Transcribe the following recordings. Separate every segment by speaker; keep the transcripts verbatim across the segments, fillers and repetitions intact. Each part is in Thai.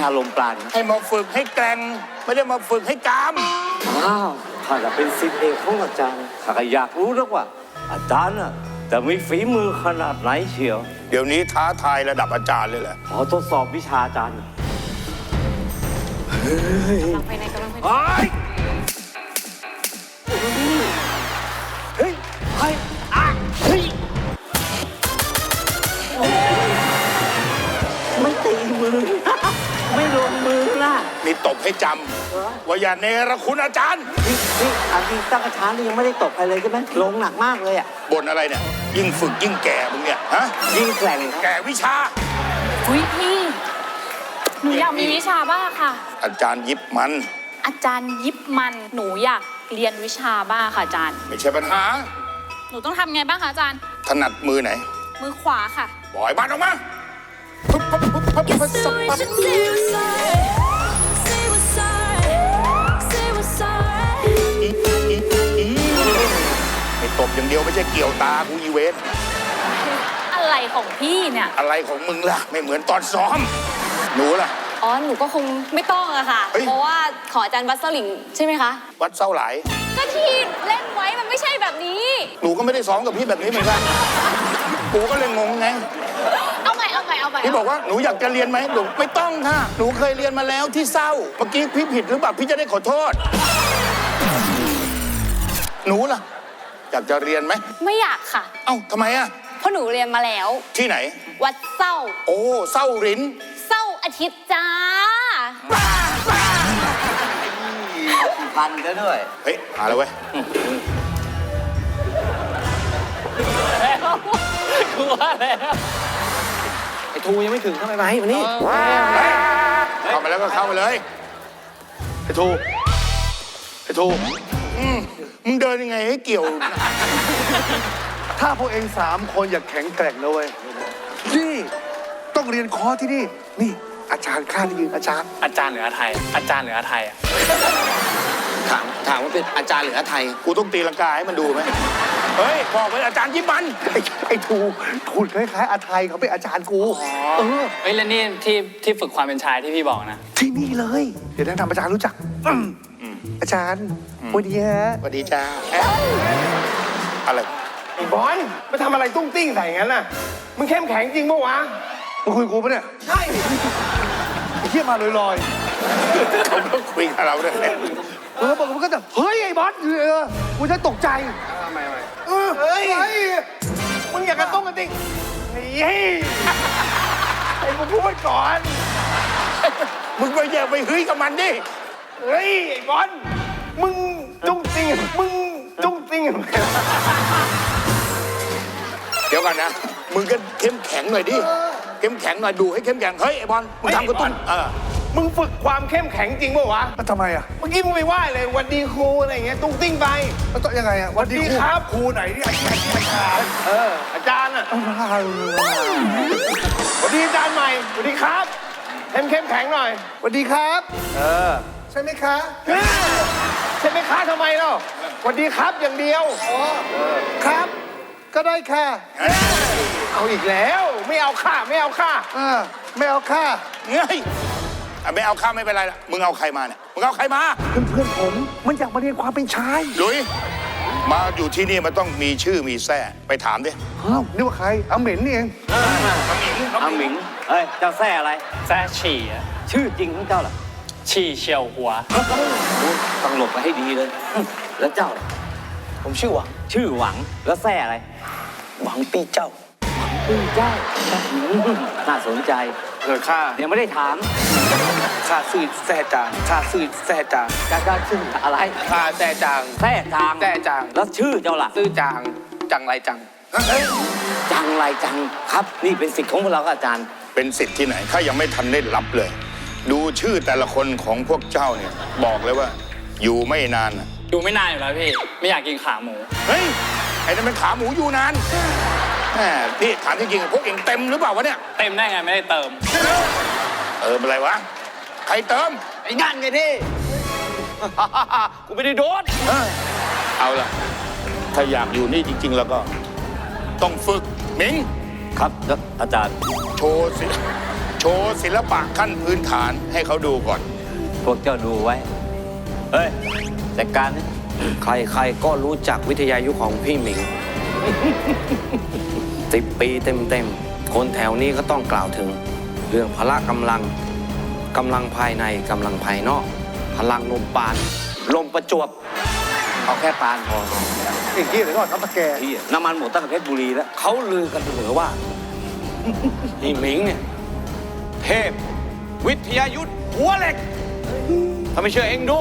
Speaker 1: อารมณ์ปราณ
Speaker 2: ให้มาฝึกให้แกร่งไม่ได้มาฝึกให้กาม
Speaker 1: อ้าวข้าจะเป็นศิษย์เอกของอาจารย์ข้าก็อยากรู้แล้วว่าอาจารย์น่ะจะมีฝีมือขนาดไหนเชียว
Speaker 2: เดี๋ยวนี้ท้าทายระดับอาจารย์เลยแหละ
Speaker 1: ขอทดสอบวิชาอาจารย์
Speaker 3: เฮ้ยกำลังภายในกำลังภายใน
Speaker 1: เฮ้ยเฮ้ยอ่ะเฮ้ยไม่ตีมือไม่ลงมือล่ะ
Speaker 2: นี่ตบให้จำว่าอย่าเนรคุณอาจารย์
Speaker 1: นี่นี่อันนี้ตั้งกระชานี่ยังไม่ได้ตบใครเลยใช่ไหมลงหนักมากเลยอ่ะ
Speaker 2: บ่นอะไรเนี่ยยิ่งฝึกยิ่งแก่มึงเนี่ยฮะ
Speaker 1: ยิ่งแกร่ง
Speaker 2: แก่วิชา
Speaker 3: อุ้ยพี่หนูอยากมีวิชาบ้างค่ะ
Speaker 2: อาจารย์ยิบมัน
Speaker 3: อาจารย์ยิบมันหนูอยากเรียนวิชาบ้างค่ะอาจารย์
Speaker 2: ไม่ใช่ปัญหา
Speaker 3: หนูต้องทำไงบ้างคะอาจารย์
Speaker 2: ถนัดมือไหน
Speaker 3: มือขวาค่ะ
Speaker 2: ปล่อยบ้านออกมาปุ๊บปุ๊บปุ๊บปุ๊บปุ๊บปุ๊บไม่ตบอย่างเดียวไม่ใช่เกี่ยวตากูอีเวน
Speaker 3: อะไรของพี่เนี่ย
Speaker 2: อะไรของมึงล่ะไม่เหมือนตอนซ้อมหนูล่ะ
Speaker 3: อ๋อหนูก็คงไม่ต้องอะค่ะเพราะว่าขออาจารย์วัดเส้าหลิงใช่ไหมคะ
Speaker 2: วัดเส้าหลาย
Speaker 3: ก็ที่เล่นไว้มันไม่ใช่แบบนี้
Speaker 2: หนูก็ไม่ได้ซ้อมกับพี่แบบนี้เหมือนกันกูก็เลยงงไง
Speaker 3: เอาใหม่เอาใหม่เอาใหม่
Speaker 2: พี่บอกว่าหนูอยากจะเรียนไหมหนูไม่ต้องค่ะหนูเคยเรียนมาแล้วที่เศร้าเมื่อกี้พี่ผิดหรือเปล่าพี่จะได้ขอโทษหนูล่ะอยากจะเรียนไหม
Speaker 3: ไม่อยากค่ะ
Speaker 2: เอ้าทำไมอะ
Speaker 3: เพราะหนูเรียนมาแล้ว
Speaker 2: ที่ไหน
Speaker 3: วัดเศร้า
Speaker 2: โอ้เศร้าริน
Speaker 3: เศร้าอาทิตย์จ้า
Speaker 1: พันก็ด้วย
Speaker 2: เฮ้ยหาแล้วเว้ย
Speaker 1: กลัวแล้วไอ้ทูยังไม่ถึงเข้าไปไหมวันนี้
Speaker 2: เข้ามาแล้วก็เข้ามาเลยไอ้ทูไอ้ทูมึงเดินยังไงให้เกี่ยว
Speaker 4: ถ้าพวกเองสามคนอยากแข็งแกร่งนะเว้ยนี่ต้องเรียนคอร์สที่นี่นี่อาจารย์ข้าได้ยินอาจารย์
Speaker 5: อาจารย์หรืออาไทยอาจารย์หรืออาไทยอ่ะ
Speaker 1: ถามถามว่าเป็นอาจารย์หรืออาไทย
Speaker 2: กูต้องตีลังกาให้มันดูไหมเฮ้ยบอกเป็นอาจารย์ยิบมัน
Speaker 4: ไอ้ไอ้ทูทูคล้ายๆอาไทยเขาเป็นอาจารย์กู
Speaker 5: เออเฮ้ยแล้วนี่ที่ที่ฝึกความเป็นชายที่พี่บอกนะ
Speaker 4: ที่นี่เลยเดี๋ยวแนะนำอาจารย์รู้จักอาจารย์สวัสดีฮะ
Speaker 2: สวัสดีจ้าอะไร
Speaker 6: ไอ้บอลมาทำอะไรตุ้งติ้งใส่งั้นน่ะมึงเข้มแข็งจริงปะวะ
Speaker 4: มึงคุยกูปะเนี่ย
Speaker 6: ใช่
Speaker 4: ไอ้เหี้ยมาลอย
Speaker 2: ๆเขาก็คุยกับเราด้วย
Speaker 4: เออบอกมันก็จะเฮ้ยไอ้บอสเออกูจะตกใจ
Speaker 6: ทำไมไม
Speaker 4: เออเฮ้ย
Speaker 6: มึงอยากกระตุ้งกระติ้งเฮ้ยไอ้มึงพูดก่อน
Speaker 2: มึงไปแย่ไปเฮ้ยกับมันดิ
Speaker 6: เฮ้ยไอ้บอลมึงตุ้งติ้งมึงตุ้งติ้ง
Speaker 2: เดี๋ยวก่อนนะมึงก็เข้มแข็งหน่อยดิเข้มแข็งหน่อยดูให้เข้มแข็งเฮ้ยไอ้บอลมึงทำกระตุ้นเออ
Speaker 6: มึงฝึกความเข้มแข็งจริงป่ะวะ
Speaker 4: ทำไมอ่ะ
Speaker 6: เมื่อกี้มึงไปไหว้เลยวันดีครูอะไรอย่างเงี้ยตุ้งติ้งไป
Speaker 4: แล้วต้องยังไงอ่ะวันดี
Speaker 6: ครับ
Speaker 4: ครูไหนนี่อาจารย์อาจารย์
Speaker 6: เอออาจารย์อ่ะวันดีอาจารย์ใหม่วันดีครับเข้มเข้มแข็งหน่อย
Speaker 4: วันดีครับ
Speaker 6: เออ
Speaker 4: ใช่ไหมคะ
Speaker 6: ใช่ไหมคะทำไมเนาะวันดีครับอย่างเดียว
Speaker 4: อ๋อครับก็ได้ค่ะ
Speaker 6: เอาอีกแล้วไม่เอาค่าไม่เอาค่า
Speaker 4: เออไม่เอาค่า
Speaker 2: เฮ้ยไม่เอาค่าไม่เป็นไรละมึงเอาใครมาเนี่ยมึงเอาใครมา
Speaker 4: เพื่อนเพื่อนผมมันอยากมาเรียนความเป็นชาย
Speaker 2: ลุยมาอยู่ที่นี่มันต้องมีชื่อมีแท้ไปถามดิ
Speaker 4: อ้าวนี่ว่าใครอาเหม็นนี่เอง
Speaker 2: อาหมิง
Speaker 1: อาหมิงเฮ้ยเจ้าแท้อะไร
Speaker 5: แท้ฉี่อ่ะ
Speaker 1: ชื่อจริงของเจ้าล่ะ
Speaker 5: ฉี่เฉียวหัว
Speaker 1: ต้องหลบไปให้ดีเลยแล้วเจ้า
Speaker 5: ผมชื่อหวัง
Speaker 1: ชื่อหวังแล้วแท้อะไร
Speaker 5: หวังปีเจ้า
Speaker 1: หวังปีเจ้าน่าสนใจ
Speaker 5: เกิดข้า
Speaker 1: ยังไม่ได้ถาม
Speaker 5: ข้าซื่อแท้จางข้าซื่อแท้จาง
Speaker 1: การการชื่ออะไร
Speaker 5: ข้าแท้จาง
Speaker 1: แท้จาง
Speaker 5: แท้จาง
Speaker 1: แล้วชื่อเจ้าล่ะ
Speaker 5: ซื่อจางจังไรจัง
Speaker 1: จังไรจังครับนี่เป็นสิทธิ์ของพวกเราอาจารย์
Speaker 2: เป็นสิทธิ์ที่ไหนข้ายังไม่ทันได้รับเลยดูชื่อแต่ละคนของพวกเจ้าเนี่ยบอกเลยว่าอยู่ไม่นาน
Speaker 5: อยู่ไม่นานอยู่แล้วพี่ไม่อยากกินขาหมู
Speaker 2: เฮ้ยไอ้นั่นเป็นขาหมูอยู่นานแหมพี่ถามจริงๆพวกเองเต็มหรือเปล่าวะเนี่ย
Speaker 5: เต็มได้ไงไม่ได้เติม
Speaker 2: เติมอะไรวะใครเติม
Speaker 5: ไอ้นั่นไงพี่กูไม่ได้โดน
Speaker 2: เอาล่ะถ้าอยากอยู่นี่จริงๆแล้วก็ต้องฝึกหมิง
Speaker 1: ครับอาจารย์
Speaker 2: โชว์สิโชว์ศิลปะขั้นพื้นฐานให้เขาดูก่อน
Speaker 1: พวกเจ้าดูไว้ เฮ้ยจัดการนี่
Speaker 5: ใครๆก็รู้จักวิทยายุทธของพี่หมิง สิบปีเต็มๆ คนแถวนี้ก็ต้องกล่าวถึง เรื่องพละกำลัง กำลังภายในกำลังภายนอก พลังลมปาน ลมประจวบ
Speaker 1: เอาแค่ปานพอ
Speaker 4: อีกที่เดี๋ยวก่อนครับตะแก
Speaker 1: ที่น้ำมันหมดตั้งแต่เพชรบุรีแล้ว
Speaker 5: เขาลือกันเสมอว่า พี่หมิงเนี่ย เทพ วิทยายุทธหัวเหล็ก ถ้าไม่เชื่อเองดู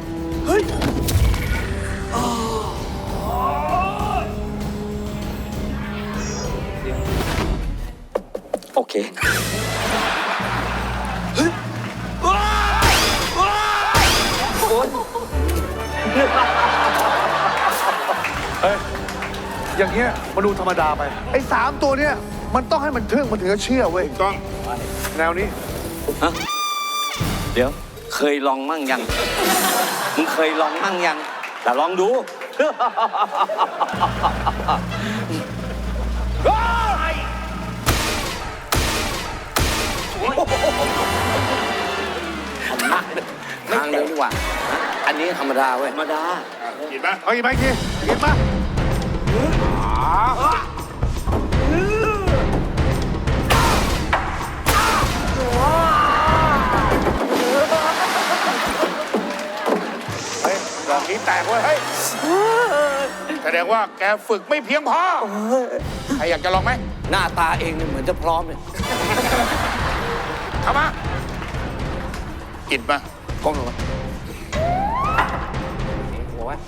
Speaker 1: โอเค
Speaker 4: อย่างเงี้ยมันดูธรรมดาไป ไอ้สามตัวเนี้ยมันต้องให้มันทึ่งมันถึงจะเชื่อเว้ย
Speaker 2: ต้อง
Speaker 4: แนวนี้
Speaker 1: ฮะ เดี๋ยว เคยลองมั่งยัง มึงเคยลองมั่งยัง แต่ลองดู
Speaker 5: ทางเดินดีกว่า อันนี้ธรรมดาเว้ย
Speaker 1: ธรรมดา
Speaker 2: เห็นปะ
Speaker 4: เอาอีกไหมอีกทีอีกมา
Speaker 2: เฮ้ยดอกนี้แตกเว้ยเฮ้ยแสดงว่าแกฝึกไม่เพียงพอใครอยากจะลองไหม
Speaker 5: หน้าตาเองเนี่ยเหมือนจะพร้อมเนี่ย
Speaker 2: เข้ามาอิดมา
Speaker 5: ก้มลงมาหัวไว้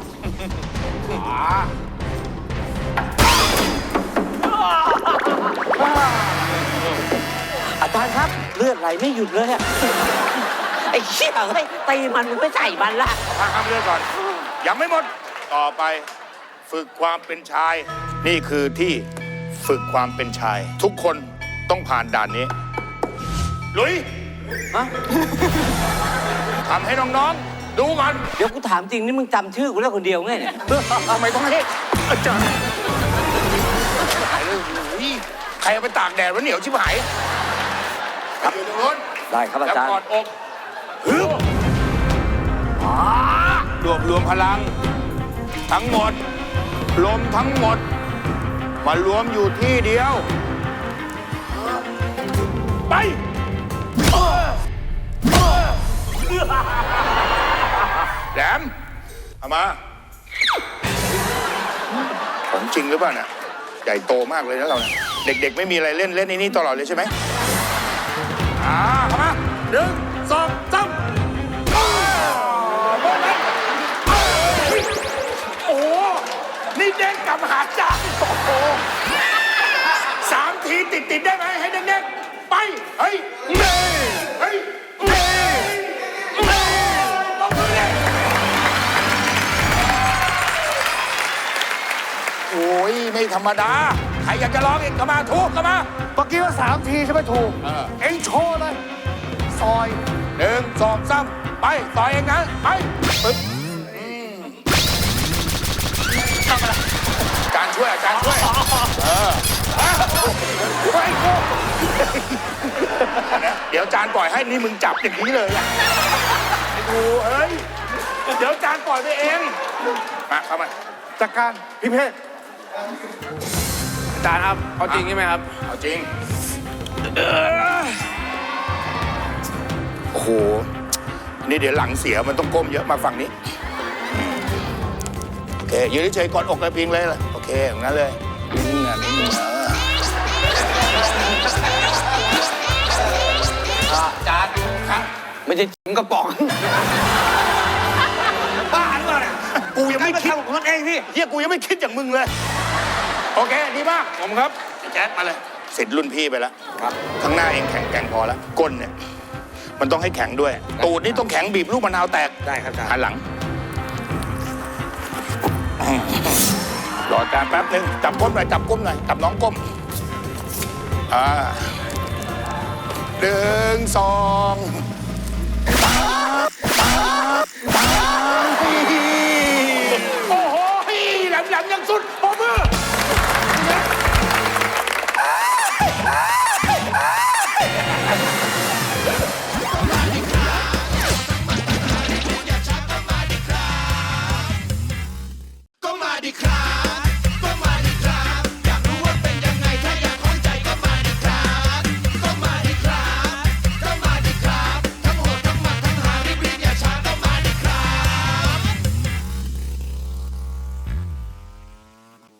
Speaker 1: อาจารย์ครับ เลือดไหลไม่หยุดเลยอะไอ้เชี่ยเฮ้ยตีมันมึงไม่ใส่มันละ
Speaker 2: พักคำเรื่องก่อน ยังไม่หมด ต่อไปฝึกความเป็นชาย นี่คือที่ฝึกความเป็นชาย ทุกคนต้องผ่านด่านนี้ ลุย
Speaker 1: ฮะ
Speaker 2: ทำให้น้องๆ ดูก่อน
Speaker 1: เดี๋ยวกูถามจริงนี่มึงจำชื่อกูได้คนเดียวไงเนี่ย
Speaker 2: ทำไมต้องให้อาจารย์หายเลยอุ้ยใครเอาไปตากแดดวะเหนียวชิบหายครับอยู่ตรงนู้น
Speaker 1: ได้ครับอาจารย์
Speaker 2: แล้วกอดอกฮึบอ่ารวบรวมพลัง ทั้งหมด ลมทั้งหมด มารวมอยู่ที่เดียว ไปแหลมเอามา ของจริงหรือเปล่าเนี่ยใหญ่โตมากเลยนะเราเนี่ยเด็กๆไม่มีอะไรเล่นเล่นในนี้ตลอดเลยใช่ไหมอ่าเข้ามาหนึ่งสองสามอ้าวโดนไหมอ้าวโอ้โหนี่เด้งกลับมาหาจานโอ้โหสามทีติดติดๆได้ไหมให้เด็กๆไปเฮ้ยเน่เฮ้ยเน่เน่ต้องมือเลยโอ้ยไม่ธรรมดาใครอยากจะลองอีกก็มาทุกก็มา
Speaker 4: เมื่อกี้ว่าสามทีใช่ไหมถูก
Speaker 2: เออ
Speaker 4: เอ็งโชว์เลย ซอย
Speaker 2: หนึ่งสองสามไปต่อเองนะไปปึ๊บทำอะไรอาจารย์ช่วยอาจารย์ช่วยเออช่วยกูเดี๋ยวอาจารย์ปล่อยให้นี่มึงจับอย่างนี้เลยอ่ะไอ้ดูเอ้ยเดี๋ยวอาจารย์ปล่อยไปเองมาเข้ามา
Speaker 4: จากการพิเภก
Speaker 6: อาจารย์ครับ เอาจริงใช่ไหมครับ
Speaker 2: เอาจริงโอ้โหนี่เดี๋ยวหลังเสียมันต้องก้มเยอะมาฝั่งนี้ โอเคยืนเฉยๆกอดอกกระพิงเลยล่ะโอเคอย่างนั้นเลยนิ่งๆนะนิ่งๆนะ
Speaker 5: จานครับไม่ใช่จิ๋มกระป๋อง บ้าหรือเปล่าเนี่ย
Speaker 2: กูยังไม่คิด
Speaker 5: ทำของมันเองพี่
Speaker 2: เฮียกูยังไม่คิดอย่างมึงเลย โอเคดีมากผมครับแจ๊ดมาเลยเสร็จรุ่นพี่ไปแล้ว
Speaker 5: ครับ
Speaker 2: ข้างหน้าเองแข็งแกร่งพอแล้วก้นเนี่ยมันต้องให้แข็งด้วย ตูดนี่ต้องแข็งบีบลูกมะนาวแตก
Speaker 5: ได้ครับอาจารย์
Speaker 2: หันหลังรออาจารย์แป๊บหนึ่งจับก้มหน่อยจับก้มหน่อยจับน้องก้มอ่าหนึ่งสองโอ้โหแหลมแหลมยังสุดปมือ
Speaker 7: ดีครับ